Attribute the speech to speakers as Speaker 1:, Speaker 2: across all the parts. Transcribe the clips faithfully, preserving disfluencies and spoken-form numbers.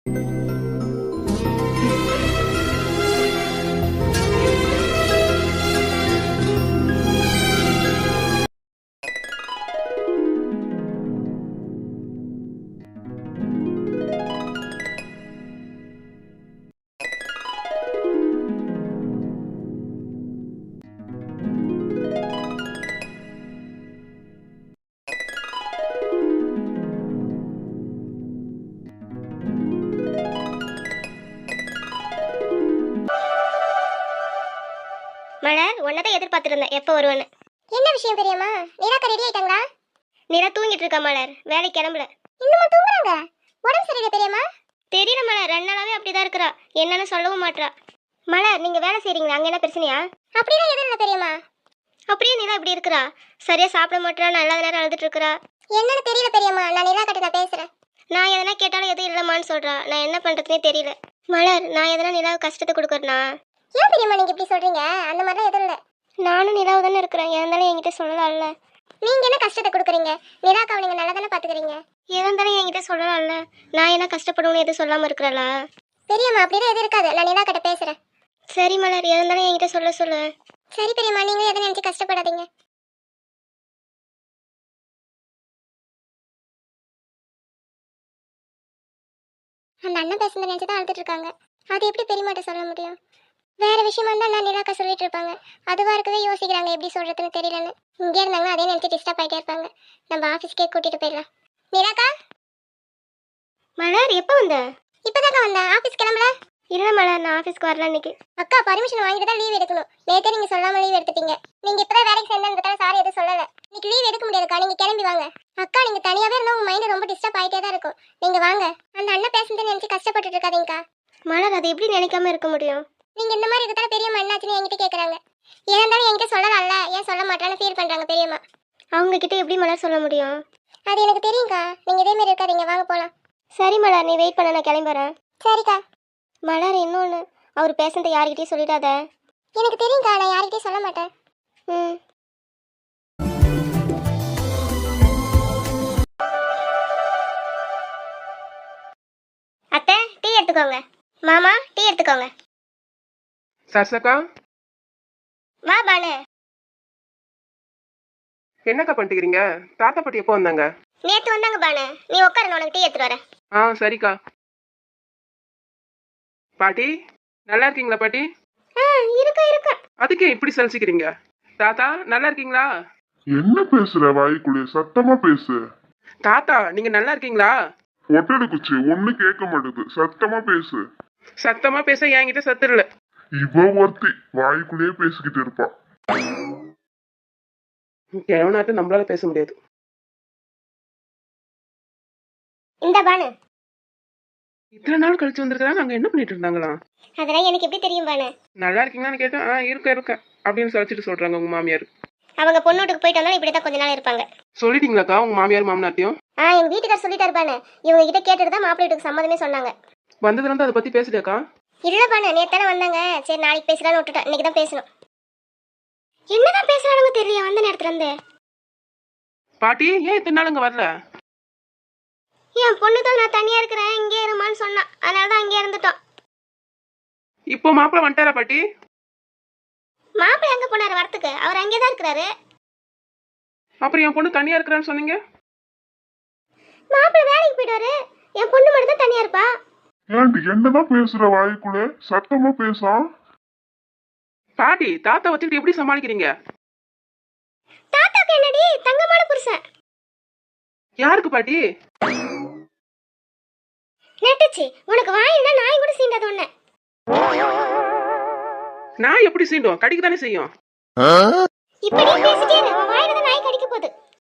Speaker 1: மலர் உன்னதான் எதிர்பார்த்துருந்தேன் எப்போ வருவேன்னு.
Speaker 2: என்ன விஷயம் பெரியம்மா? நிராக்கா ரெடி ஆயிட்டாங்களா?
Speaker 1: நிரா தூங்கிட்டு இருக்கா மலர், வேலைக்கு கிளம்பல.
Speaker 2: இன்னுமா தூங்குறாங்க? உடம்பு சரியில்லை பெரியம்மா?
Speaker 1: தெரியல மலர், ரெண்டு நாளாவே அப்படிதான் இருக்கிறா, என்னன்னு சொல்லவும் மாட்றா. மலர் நீங்க வேலை செய்றீங்களா, அங்க என்ன பிரச்சனையா?
Speaker 2: அப்படிலாம் எதுவும் இல்லை பெரியம்மா.
Speaker 1: அப்படியே நிரா இப்படி இருக்கிறா, சரியா சாப்பிட மாட்டா, நல்ல நேரம் அழுதுட்டு இருக்கிறா.
Speaker 2: என்னன்னு தெரியல பெரியம்மா, நான் நிராக்கிட்ட நான் பேசுறேன்.
Speaker 1: நான் எதனா கேட்டாலும் எதுவும் இல்லம்மான்னு சொல்றா, நான் என்ன பண்றதுனே தெரியல. மலர் நான் எதனா நிலாவுக்கு கஷ்டத்தை கொடுக்குறேனா?
Speaker 2: ஏன் பெரியம்மா நீங்க இப்படி சொல்றீங்க? அந்த மாதிரிலாம் எதுவும் இல்லை.
Speaker 1: நானும் நிலாவு தானே இருக்கிறேன், இருந்தாலும் என்கிட்ட சொல்லலாம்ல.
Speaker 2: நீங்க என்ன கஷ்டத்தை கொடுக்குறீங்க? நிராக்காவை நீங்க நல்லா தானே பாத்துக்கிறீங்க.
Speaker 1: இருந்தாலும் என்கிட்ட சொல்லலாம்ல, நான் என்ன கஷ்டப்படுவேன்னு எதுவும் சொல்லாம இருக்கிறாளா?
Speaker 2: பெரியம்மா அப்படிலாம் எதுவும் இருக்காது, நான் நிராக்கிட்ட பேசுறேன்.
Speaker 1: சரி மலர், இருந்தாலும் என்கிட்ட சொல்ல சொல்லு.
Speaker 2: சரி பெரியம்மா, நீங்களும் எதை நினைச்சு கஷ்டப்படாதீங்க. அந்த அண்ணன் பேசுனதை நினைச்சு தான் அழுதுட்டு இருக்காங்க. அது எப்படி பெரியமாட்ட சொல்ல முடியும்? வேற விஷயமா இருந்தா நான் நிராக்கா சொல்லிட்டு இருப்பாங்க. அதுவா இருக்கவே யோசிக்கிறாங்க எப்படி சொல்றதுன்னு தெரியலன்னு. இங்கே இருந்தாங்கன்னா அதே நினைச்சு டிஸ்டர்ப் ஆகிட்டே இருப்பாங்க. நம்ம ஆஃபீஸ்க்கே கூட்டிட்டு போயிடலாம். நிராக்கா
Speaker 1: மலர் எப்போ வந்த?
Speaker 2: இப்பதாக்கா வந்தேன். ஆஃபீஸ் கிளம்பல?
Speaker 1: இல்ல மலர், நான் ஆஃபீஸ்க்கு வரல இன்னைக்கு.
Speaker 2: அக்கா பர்மிஷன் வாங்கிட்டு தான் லீவ் எடுக்கணும். நேத்தே நீங்க சொல்லாம லீவ் எடுத்துட்டீங்க. நீங்க இப்பதான் வேலைக்கு சேர்ந்ததுக்காக சாரி எதுவும் சொல்லல. இன்னைக்கு லீவ் எடுக்க முடியாதுக்கா, நீங்க கிளம்பி வாங்க. அக்கா நீங்க தனியாவே இருந்தா உங்க மைண்ட் ரொம்ப டிஸ்டர்ப் ஆயிட்டே தான் இருக்கும். நீங்க வாங்க. அந்த அண்ணன் பேசுனதை நினைச்சு கஷ்டப்பட்டுட்டு இருக்காதீங்கக்கா.
Speaker 1: மலர் அது எப்படி நினைக்காம இருக்க முடியும்?
Speaker 2: நீங்க இந்த மாதிரி இருக்கிறதால பெரியம்மா என்னாச்சுன்னு என்கிட்ட கேக்குறாங்க. ஏன் இருந்தாலும் என்கிட்ட சொல்லலாம்ல, ஏன் சொல்ல மாட்டான்னு ஃபீல் பண்றாங்க பெரியம்மா.
Speaker 1: அவங்க கிட்ட எப்படி மலர் சொல்ல முடியும்?
Speaker 2: அது எனக்கு தெரியும்க்கா, நீங்க இதே மாதிரி இருக்காதீங்க, வாங்க போலாம்.
Speaker 1: சரி மலர், நீ வெயிட் பண்ண, நான் கிளம்புறேன்.
Speaker 2: சரிக்கா.
Speaker 1: மலர் இன்னொன்று, அவர் பேசுனதை யார்கிட்டயும் சொல்லிடாத.
Speaker 2: எனக்கு தெரியும்க்கா, நான் யார்கிட்டயும் சொல்ல மாட்டேன்.
Speaker 1: ம். அத்தை டீ எடுத்துக்கோங்க. மாமா டீ எடுத்துக்கோங்க.
Speaker 3: சரசக்கா
Speaker 1: வா பானு.
Speaker 3: என்னக்கா பண்ணிக்கிறீங்க? தாத்தா பாட்டி எப்போ வந்தாங்க?
Speaker 1: நேத்து வந்தாங்க பானு, நீ உட்காரு, நான் உனக்கு டீ எடுத்துட்டு வரேன்.
Speaker 3: ஆ சரிக்கா. பாட்டி நல்லா இருக்கீங்களா பாட்டி?
Speaker 1: ஆ இருக்கா இருக்கா.
Speaker 3: அதுக்கே இப்படி சலிச்சுக்கிறீங்க? தாத்தா நல்லா இருக்கீங்களா?
Speaker 4: என்ன பேசுற? வாய்க்குள்ளே சத்தமா பேசு.
Speaker 3: தாத்தா நீங்க நல்லா இருக்கீங்களா?
Speaker 4: ஒட்டடு குச்சி ஒண்ணு கேட்க மாட்டேது, சத்தமா பேசு.
Speaker 3: சத்தமா பேச என்கிட்ட சத்து இல்ல.
Speaker 4: இவ ஒருத்தி வாய்க்குள்ளேயே பேசிக்கிட்டு இருப்பா.
Speaker 3: எவனாட்டும் நம்மளால பேச முடியாது.
Speaker 1: இந்த பானு.
Speaker 3: இத்தனை நாள் கழிச்சு வந்திருக்காங்க, அங்க என்ன பண்ணிட்டு இருந்தாங்களா?
Speaker 1: அதெல்லாம் எனக்கு எப்படி தெரியும் பானு?
Speaker 3: நல்லா இருக்கீங்களான்னு கேட்டேன். ஆ இருக்க இருக்க அப்படின்னு சொல்லிட்டு சொல்றாங்க உங்க மாமியார்.
Speaker 1: அவங்க பொண்ணோட்டுக்கு போயிட்டு வந்தாலும் இப்படிதான் கொஞ்ச நாள் இருப்பாங்க.
Speaker 3: சொல்லிட்டீங்களாக்கா உங்க மாமியார் மாமனார்த்தையும்?
Speaker 1: ஆ எங்க வீட்டுக்கார் சொல்லிட்டாரு பானு, இவங்க கிட்ட கேட்டுட்டு தான் மாப்பிள்ளை வீட்டுக்கு சம்மதமே சொன்னாங்க.
Speaker 3: வந்ததுல இருந்து அதை பத்தி பேசுறியாக்கா?
Speaker 1: இல்ல பானு, நேத்தானே வந்தாங்க, சரி நாளைக்கு பேசலாம்னு விட்டுட்டேன். இன்னைக்கு தான் பேசணும். என்னதான் பேசுறானுங்க தெரியல வந்த நேரத்துல இருந்து.
Speaker 3: பாட்டி ஏன் இத்தனை நாள் இங்க வரல?
Speaker 1: என் பொண்ணு தான் நான் தனியா இருக்கிறேன் இங்கே இருமான்னு சொன்னா, அதனாலதான் அங்கே இருந்துட்டோம்.
Speaker 3: இப்போ மாப்பிள்ள வந்துட்டாரா பாட்டி?
Speaker 1: மாப்பிள்ளை எங்க போனாரு வரத்துக்கு? அவர் அங்கேதான் இருக்கிறாரு.
Speaker 3: அப்புறம் என் பொண்ணு தனியா இருக்கிறான்னு சொன்னீங்க?
Speaker 1: மாப்பிள்ளை வேலைக்கு போயிட்டாரு, என் பொண்ணு மட்டும் தான் தனியா இருப்பா.
Speaker 4: ஏன்டி என்னதான் பேசுற? வாய்க்குள்ளே சத்தமா பேசா.
Speaker 3: பாட்டி தாத்தா வச்சுக்கிட்டு எப்படி சமாளிக்கிறீங்க?
Speaker 1: தாத்தாக்கு என்னடி தங்கமான புருஷன்.
Speaker 3: யாருக்கு பாட்டி?
Speaker 1: நட்டுச்சு உனக்கு வாயினா நாய் கூட சீண்டாத ஒண்ணு.
Speaker 3: நான் எப்படி சீண்டும்? கடிக்க தானே செய்யும்.
Speaker 1: இப்படி பேசிட்டே இரு, உன் வாயில தான் நாய் கடிக்க போகுது.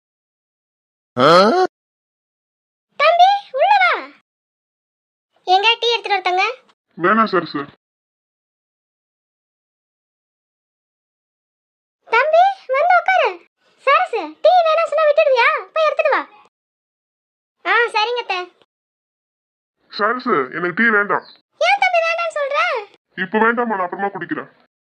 Speaker 1: தம்பி உள்ள வா. எங்க டீ எடுத்துட்டு வரத்தங்க?
Speaker 4: வேணாம் சார் சார்.
Speaker 1: தம்பி வந்து உட்காரு. சரசு டீ வேணா சொன்னா விட்டுடுவியா? போய் எடுத்துட்டு வா. ஆ சரிங்க அத்தை.
Speaker 4: சார் சார் எனக்கு டீ வேண்டாம்.
Speaker 1: ஏன் தம்பி வேண்டாம்னு சொல்ற?
Speaker 4: இப்ப வேண்டாமா, நான் அப்புறமா குடிக்கிறேன்.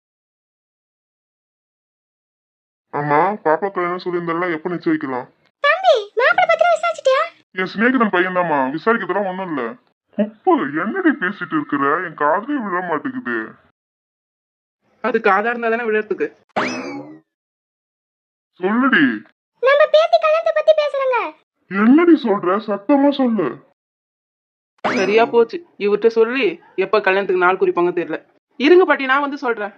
Speaker 4: ஆமா பாப்பா கல்யாணம் சொல்லியிருந்தால எப்ப நிச்சயிக்கலாம்?
Speaker 1: தம்பி மாப்பிள்ளை பத்தி விசாரிச்சிட்டியா?
Speaker 4: என் சிநேகிதன் பையன் தாமா, விசாரிக்கிறதுலாம் ஒண்ணும் இல்ல. குப்பு என்னடி பேசிட்டு இருக்கிற? என் காதுலயே விழ மாட்டேங்குது.
Speaker 3: அதுக்கு ஆதாரம் இருந்தா தானே விழுறதுக்கு.
Speaker 4: சொல்லுடி.
Speaker 1: நம்ம பேத்தி கல்யாணத்தை பத்தி பேசுறங்க.
Speaker 4: என்னடி சொல்ற? சத்தமா சொல்லு.
Speaker 3: சரியா போச்சு, இவர்கிட்ட சொல்லி எப்ப கல்யாணத்துக்கு நாள் குறிப்பாங்க தெரியல. இருங்க பாட்டி, நான் வந்து சொல்றேன்.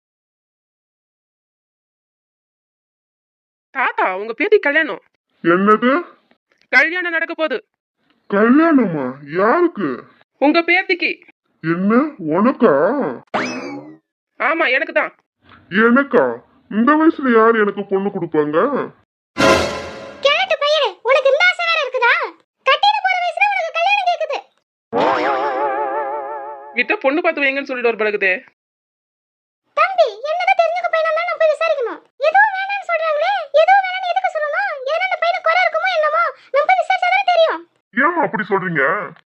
Speaker 3: தாத்தா, உங்க பேத்தி கல்யாணம்.
Speaker 4: என்னது?
Speaker 3: கல்யாணம் நடக்க போகுது.
Speaker 4: கல்யாணமா? யாருக்கு?
Speaker 3: உங்க பேத்திக்கு.
Speaker 4: என்ன, உனக்கா?
Speaker 3: ஆமா, எனக்கு தான்.
Speaker 4: எனக்கா? இந்த வயசுல யார் எனக்கு பொண்ணு கொடுப்பாங்க?
Speaker 1: கேட்டு பையனே, உனக்கு இந்த ஆசை வேற இருக்குதா? கட்டிட போற வயசுல உனக்கு கல்யாணம் கேக்குது.
Speaker 3: கிட்ட பொண்ணு பார்த்து வைங்கன்னு சொல்லிட்டு ஒரு பழகுதே.
Speaker 1: தம்பி, என்னதான் தெரிஞ்சுக்க பையனா இருந்தா நம்ம போய் விசாரிக்கணும். ஏதோ வேணாம்னு சொல்றாங்களே, ஏதோ வேணாம்னு எதுக்கு சொல்லணும்? ஏன்னா அந்த பையனுக்கு குறை இருக்குமோ என்னமோ, நம்ம போய் விசாரிச்சாதான் தெரியும்.
Speaker 4: ஏமா அப்படி சொல்றீங்க?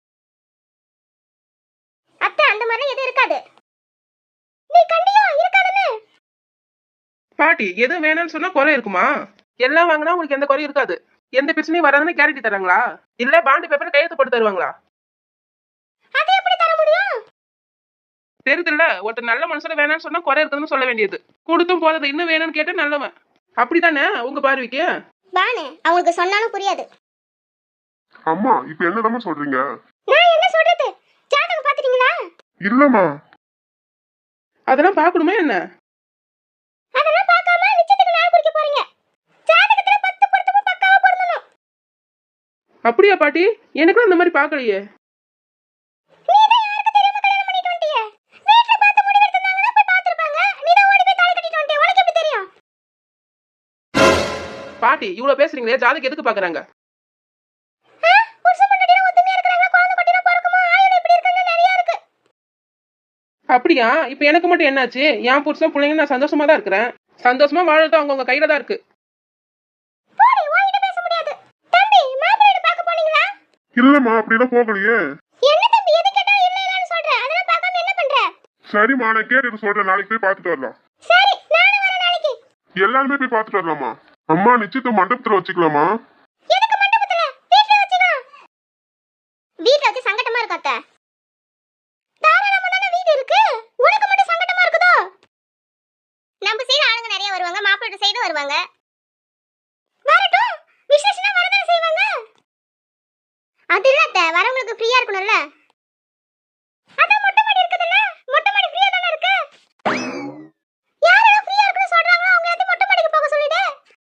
Speaker 1: அத்தை, அந்த மாதிரி எதுவும் இருக்காது. நீ கண்டியோ இருக்காதுன்னு.
Speaker 3: பாட்டி, எது வேணும்னு சொன்னா குறை இருக்குமா? எல்லாம் வாங்கினா உங்களுக்கு எந்த குறையும் இருக்காது. எந்த பிரச்சனையும் வராதுன்னு கேரண்டி தராங்களா? இல்ல பாண்டு பேப்பர் கையெழுத்து போட்டு தருவாங்களா?
Speaker 1: அது எப்படி தர முடியும்?
Speaker 3: தெரியுதுல்ல, ஒருத்தர் நல்ல மனுஷன வேணாம்னு சொன்னா குறை இருக்குதுன்னு சொல்ல வேண்டியது. கொடுத்தும் போறது இன்னும் வேணும்னு கேட்டா நல்லவன். அப்படித்தானே உங்க பார்வைக்கு?
Speaker 1: பானு, அவங்களுக்கு சொன்னாலும் புரியாது.
Speaker 4: அம்மா, இப்ப என்னதாம்மா சொல்றீங்க?
Speaker 1: நான் என்ன சொல்றது? ஜாதகம் பாத்துட்டீங்களா?
Speaker 4: இல்லம்மா.
Speaker 3: அதெல்லாம் பார்க்கணுமா என்ன?
Speaker 1: அதெல்லாம் பார்க்காம நிச்சயத்துக்கு நாள் குறிக்க போறீங்க. ஜாதகத்துல பத்து பொருத்தமும் பக்காவா பொருந்தணும்.
Speaker 3: அப்படியா பாட்டி? எனக்கும் அந்த மாதிரி பார்க்கலையே.
Speaker 1: நீதான் யாருக்கு தெரியாம கல்யாணம் பண்ணிட்டு வந்துட்டியே. வீட்ல பார்த்து முடிவு எடுத்திருந்தாங்கன்னா போய் பார்த்திருப்பாங்க. நீதான் ஓடி போய் தாலி கட்டிட்டு வந்துட்டியே. உனக்கு எப்படி தெரியும்?
Speaker 3: பாட்டி, இவ்வளவு பேசுறீங்களே, ஜாதகம் எதுக்கு பாக்குறாங்க?
Speaker 1: ஆ, புருஷன் பொண்டாட்டினா ஒத்துமையா இருக்கறாங்க, குழந்தை குட்டினா பிறக்குமா, ஆயுள் இப்படி இருக்குன்னு நிறைய இருக்கு.
Speaker 3: அப்படியா? இப்ப எனக்கு மட்டும் என்னாச்சு? என் புருஷன் பிள்ளைங்க நான் சந்தோஷமா தான் இருக்கிறேன். சந்தோஷமா வாழறது அவங்கவுங்க கையில தான் இருக்கு.
Speaker 1: போடி, உன்கிட்ட பேச முடியாது. தம்பி, மாப்பிள்ளை வீடு பார்க்க போனீங்களா?
Speaker 4: இல்லம்மா, அப்படிலாம் போகலையே.
Speaker 1: என்ன தம்பி, எது கேட்டாலும் இல்ல இல்லன்னு சொல்ற? அதெல்லாம் பார்க்காம என்ன பண்ற?
Speaker 4: சரிம்மா, நான் கேட்டு சொல்றேன். நாளைக்கு போய் பார்த்துட்டு வரலாம்.
Speaker 1: சரி, நானும் வரேன் நாளைக்கு.
Speaker 4: எல்லாருமே போய் பார்த்துட்டு வரலாமா? அம்மா, நிச்சயத்தை மண்டபத்துல வச்சுக்கலாமா?
Speaker 1: எதுக்கு மண்டபத்துல? வீட்ல வச்சுக்கலாம். வீட்ல வச்சு சங்கடமா இருக்கு அத்தை. தாராளமா தானே வீடு இருக்கு. உனக்கு மட்டும் சங்கடமா இருக்குதோ? நம்ம சைடு ஆளுங்க நிறைய வருவாங்க, மாப்பிள்ளை சைடு வருவாங்க. வரட்டும், விசேஷனா வரதானே செய்வாங்க. அது இல்ல அத்தை, வரவங்களுக்கு ஃப்ரீயா இருக்கணும்ல. அதான் மொட்டை மாடி இருக்குதுல்ல, மொட்டை மாடி ஃப்ரீயா தானே இருக்கு. யாரெல்லாம் ஃப்ரீயா இருக்குன்னு சொல்றாங்களோ அவங்க எல்லாத்தையும் மொட்டை மாடிக்கு போக சொல்லிடு.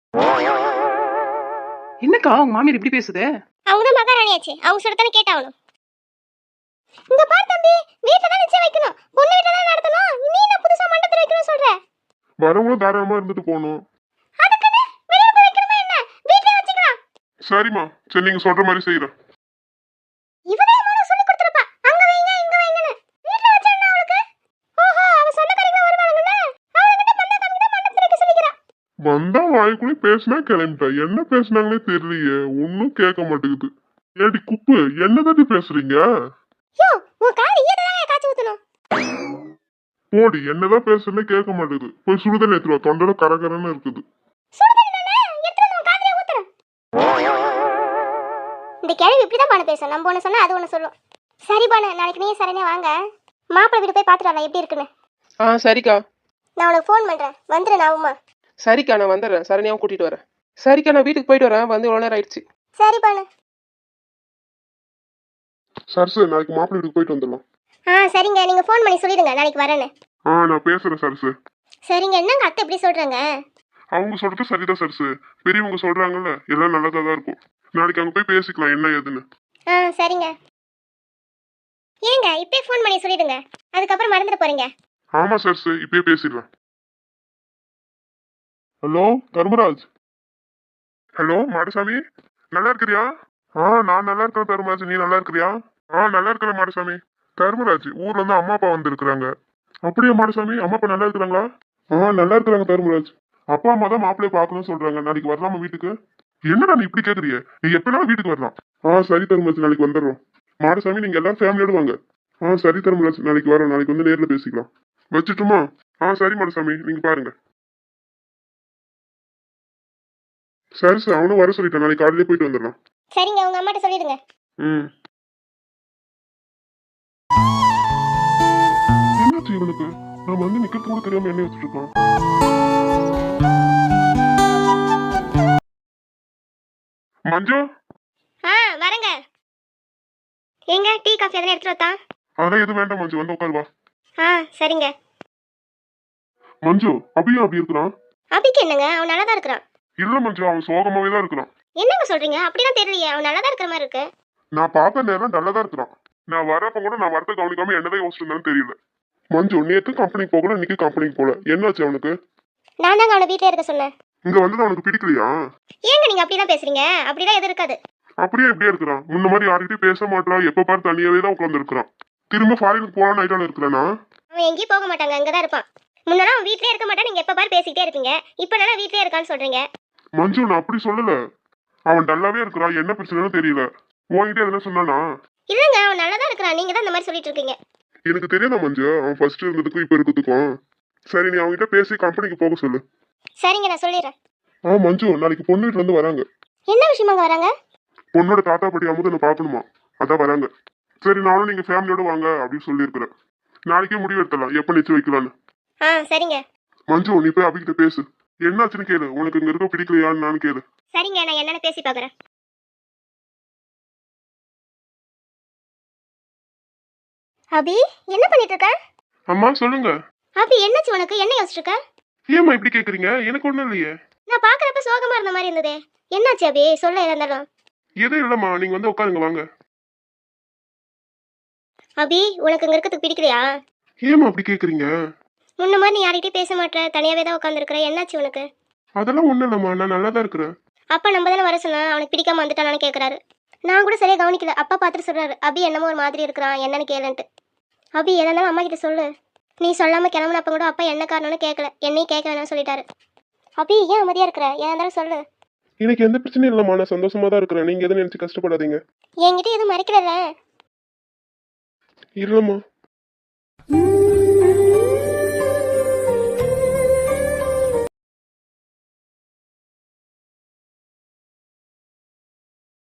Speaker 3: என்னக்கா உங்க மாமியார் இப்படி பேசுது?
Speaker 1: அவங்க தான் மகாராணியாச்சு, அவங்க சொல்லத்தானே கேட்டாகணும். இந்த பார் தம்பி, வீட்ல தான் நிச்சயம் வைக்கணும், பொண்ணு வீட்ல தான் நடத்தணும். நீ என்ன புதுசா மண்டபத்துல வைக்கணும்னு சொல்ற?
Speaker 4: வரவங்களும் தாராளமா இருந்துட்டு போகணும்.
Speaker 1: அதுக்குன்னு வெளியில போய் வைக்கணுமா என்ன? வீட்லயே வச்சுக்கலாம்.
Speaker 4: சரிம்மா, சரி, நீங்க சொல்ற மாதிரி செய்யறேன்.
Speaker 1: இவனே மூணு சொல்லி கொடுத்துருப்பா, அங்க வைங்க இங்க வைங்கன்னு. வீட்ல வச்சா என்ன அவளுக்கு? ஓஹோ, அவ சொந்தக்காரங்க வருவாங்கல்ல, அவங்ககிட்ட பந்தா காமிக்க தான் மண்டபத்துல வைக்க சொல்லிக்கிறா.
Speaker 4: வந்தா வாய்க்குள்ளே பேசினா கிளம்பிட்டா. என்ன பேசுனாங்களே தெரியலையே, ஒன்னும் கேட்க மாட்டேங்குது. ஏடி குப்பு, என்னதாட்டி பேசுறீங்க?
Speaker 1: யோ, உன் கால் ஈரதான் காய்ச்சி ஊத்தணும்.
Speaker 4: போடி, என்னதான் பேசுறேன்னு கேட்க மாட்டேங்குது. போய் சுடுதண்ணி எடுத்துருவா, தொண்டையில கரகரன்னு இருக்குது.
Speaker 1: சுடுதண்ணி தானே, எடுத்து வந்து உன் காதுலயே ஊத்துறேன். இந்த கேள்வி இப்படிதான் பானு பேசும். நம்ம ஒண்ணு சொன்னா அது ஒண்ணு சொல்லும். சரி பானு, நாளைக்கு நீ சரணியா வாங்க, மாப்பிள்ளை வீடு போய் பாத்துட்டு வரலாம் எப்படி இருக்குன்னு.
Speaker 3: ஆ சரிக்கா.
Speaker 1: நான் உனக்கு ஃபோன் பண்றேன், வந்துரு நாவுமா.
Speaker 3: சரிக்கா, நான் வந்துடுறேன். சரணியாவும் கூட்டிட்டு வரேன். சரிக்கா, நான் வீட்டுக்கு போயிட்டு வரேன். வந்து எவ்வளோ நேரம் ஆயிடுச்சு.
Speaker 1: சரி பானு.
Speaker 4: சரசு, நாளைக்கு மாப்பிள்ளை வீட்டுக்கு போயிட்டு வந்துடலாம்.
Speaker 1: ஆ சரிங்க, நீங்க ஃபோன் பண்ணி சொல்லிடுங்க நாளைக்கு வரேன்னு.
Speaker 4: ஆ, நான் பேசுறேன் சரசு.
Speaker 1: சரிங்க, என்னங்க அத்தை இப்படி சொல்றாங்க?
Speaker 4: அவங்க சொல்றது சரிதான் சரசு. பெரியவங்க சொல்றாங்கல்ல, எல்லாம் நல்லதா தான் இருக்கும். நாளைக்கு அங்க போய் பேசிக்கலாம் என்ன ஏதுன்னு.
Speaker 1: ஆ சரிங்க. ஏங்க இப்பயே ஃபோன் பண்ணி சொல்லிடுங்க, அதுக்கப்புறம் மறந்துட்டு போறீங்க.
Speaker 4: ஆமா சரசு, இப்பயே பேசிடலாம். ஹலோ தர்மராஜ். ஹலோ மாடசாமி, நல்லா இருக்கிறியா? ஆ, நான் நல்லா இருக்கிறேன் தர்மராஜ், நீ நல்லா இருக்கிறியா? ஆ, நல்லா இருக்கிறேன் மாடசாமி. தர்மராஜ், ஊர்ல இருந்து அம்மா அப்பா வந்து இருக்கிறாங்க. அப்படியே மாடசாமி, அம்மா அப்பா நல்லா இருக்கிறாங்களா? ஆ, நல்லா இருக்கிறாங்க தர்மராஜ். அப்பா அம்மா தான் மாப்பிள்ளைய பார்க்கணும்னு சொல்றாங்க. நாளைக்கு வரலாமா வீட்டுக்கு? என்னடா நீ இப்படி கேக்குறிய? நீ எப்பனாலும் வீட்டுக்கு வரலாம். ஆ சரி தர்மராஜ், நாளைக்கு வந்துடுறோம். மாடசாமி, நீங்க எல்லாரும் ஃபேமிலியோட வாங்க. ஆ சரி தர்மராஜ், நாளைக்கு வரோம். நாளைக்கு வந்து நேர்ல பேசிக்கலாம். வச்சுட்டுமா? ஆ சரி மாடசாமி, நீங்க பாருங்க. சரி சார், அவனும் வர சொல்லிட்டேன். நாளைக்கு காலையிலே போயிட்டு வந்துடலாம்.
Speaker 1: சரிங்க, உங்க அம்மாட்ட சொல்லிடுங்க.
Speaker 4: ம். என்னாச்சு இவனுக்கு? நான் வந்து நிக்கிறது கூட தெரியாம என்ன வச்சுட்டு இருக்கான். மஞ்சு,
Speaker 1: ஆ வரங்க. ஏங்க டீ காஃபி எதனா எடுத்துட்டு வரட்டா?
Speaker 4: அதெல்லாம் எதுவும் வேண்டாம் மஞ்சு, வந்து உட்காரு வா.
Speaker 1: ஆ சரிங்க.
Speaker 4: மஞ்சு, அபியும் அப்படி இருக்கிறான்.
Speaker 1: அபிக்கு என்னங்க, அவன் நல்லா தான் இருக்கிறான்.
Speaker 4: இல்ல மஞ்சு, அவன் சோகமாவே தான் இருக்கிறான்.
Speaker 1: என்னங்க சொல்றீங்க? அப்படிலாம் தெரியலையே, அவன் நல்லா தான் இருக்கிற மாதிரி இருக்கு.
Speaker 4: நான் பார்த்த நேரம் நல்லா தான் இருக்கிறான். நான் வரப்ப கூட நான் வரத கவனிக்காம என்னதான் யோசிச்சிருந்தாலும் தெரியல. மஞ்சு, நேத்து கம்பெனிக்கு போகல, இன்னைக்கு கம்பெனிக்கு போல. என்னாச்சு அவனுக்கு?
Speaker 1: நான் தாங்க அவனை வீட்டிலே இருக்க சொன்னேன்.
Speaker 4: இங்க வந்தது அவனுக்கு பிடிக்கலையா?
Speaker 1: ஏங்க நீங்க அப்படிலாம் பேசுறீங்க? அப்படிலாம் எதுவும் இருக்காது.
Speaker 4: அப்படியே எப்படியே இருக்கிறான். முன்ன மாதிரி யார்கிட்டயும் பேச மாட்டான். எப்ப பாரு தனியாவே தான் உட்கார்ந்து இருக்கிறான். திரும்ப ஃபாரினுக்கு போலான்னு ஐட்டால இருக்கிறானா?
Speaker 1: அவன் எங்கேயும் போக மாட்டாங்க, அங்கதான் இருப்பான். முன்னெல்லாம் அவன் வீட்லயே இருக்க மாட்டான், நீங்க எப்ப பாரு பேசிக்கிட்டே இருப்பீங்க. இப்ப நல்லா வீட்லயே இருக்கான்னு சொல்றீங்க.
Speaker 4: மஞ்சு, நான் அப்படி சொல்லல. அவன் டல்லாவே இருக்கிறான். என்ன பிரச்சனைன்னு தெரியல. உன்கிட்ட எதுனா சொன்னானா?
Speaker 1: இல்லங்க, அவன் நல்லா தான் இருக்கிறான். நீங்க தான் இந்த மாதிரி சொல்லிட்டு இருக்கீங்க.
Speaker 4: எனக்கு தெரியாதா மஞ்சு, அவன் ஃபர்ஸ்ட் இருந்ததுக்கும் இப்ப இருக்கிறதுக்கும். சரி, நீ அவன்கிட்ட பேசி கம்பெனிக்கு போக சொல்லு.
Speaker 1: சரிங்க, நான் சொல்லிடுறேன்.
Speaker 4: ஆ மஞ்சு, நாளைக்கு பொண்ணு வீட்டுல இருந்து வராங்க.
Speaker 1: என்ன விஷயமாங்க வராங்க?
Speaker 4: பொண்ணோட தாத்தா பாட்டி அமுதனை பார்க்கணுமா, அதான் வராங்க. சரி, நானும் நீங்க ஃபேமிலியோட வாங்க அப்படின்னு சொல்லியிருக்கிறேன். நாளைக்கே முடிவு எடுத்துடலாம் எப்ப நிச்சயம் வைக்கலான்னு.
Speaker 1: ஆ சரிங்க.
Speaker 4: மஞ்சு, நீ போய் அபிகிட்ட பேசு. என்னாச்சுன்னு கேளு. உனக்கு இங்க இருக்க பிடிக்கலையான்னு நான் கேளு.
Speaker 1: சரிங்க, நான் என்னன்னு பேசி பாக்குறேன். அபி, என்ன பண்ணிட்டு இருக்க?
Speaker 3: அம்மா சொல்லுங்க.
Speaker 1: அபி, என்னாச்சு உனக்கு? என்ன யோசிச்சுட்டு இருக்க?
Speaker 3: ஏம்மா இப்படி கேக்குறீங்க? எனக்கு ஒண்ணும் இல்லையே.
Speaker 1: நான் பாக்குறப்ப சோகமா இருந்த மாதிரி இருந்ததே. என்னாச்சு அபி? சொல்ல எதா இருந்தாலும்.
Speaker 3: எதுவும் இல்லம்மா, நீங்க வந்து உட்காருங்க வாங்க.
Speaker 1: அபி, உனக்கு இங்க இருக்கிறதுக்கு பிடிக்கலையா?
Speaker 3: ஏம்மா அப்படி கேக்குறீங்க?
Speaker 1: முன்ன மாதிரி நீ யார்கிட்டயும் பேச மாட்டே, தனியாவே தான் உட்காந்துருக்கிற. என்னாச்சு உனக்கு?
Speaker 3: அதெல்லாம் ஒண்ணும் இல்லம்மா, நான் நல்லா தான் இருக்கிறேன்.
Speaker 1: அப்பா நம்ம தானே வர சொன்னா, அவனுக்கு பிடிக்காம வந்துட்டானான்னு கேட்கறாரு. நான் கூட சரியா கவனிக்கல. அப்பா பார்த்துட்டு சொல்றாரு, அபி என்னமோ ஒரு மாதிரி இருக்கிறான், என்னன்னு கேளுன்ட்டு. அபி, எதா இருந்தாலும் அம்மா கிட்ட சொல்லு. நீ சொல்லாம கிளம்புனப்ப கூட அப்பா என்ன காரணம்னு கேட்கல, என்னையும் கேட்க வேணாம்னு சொல்லிட்டாரு. அபி, ஏன் அமைதியா இருக்கிற? ஏன் இருந்தாலும் சொல்லு.
Speaker 3: எனக்கு எந்த பிரச்சனையும் இல்லம்மா, நான் சந்தோஷமா தான் இருக்கிறேன். நீங்க எதுவும் நினைச்சு கஷ்டப்படாதீங்க.
Speaker 1: என்கிட்ட எதுவும் மறைக்கல.
Speaker 3: இல்லம்மா.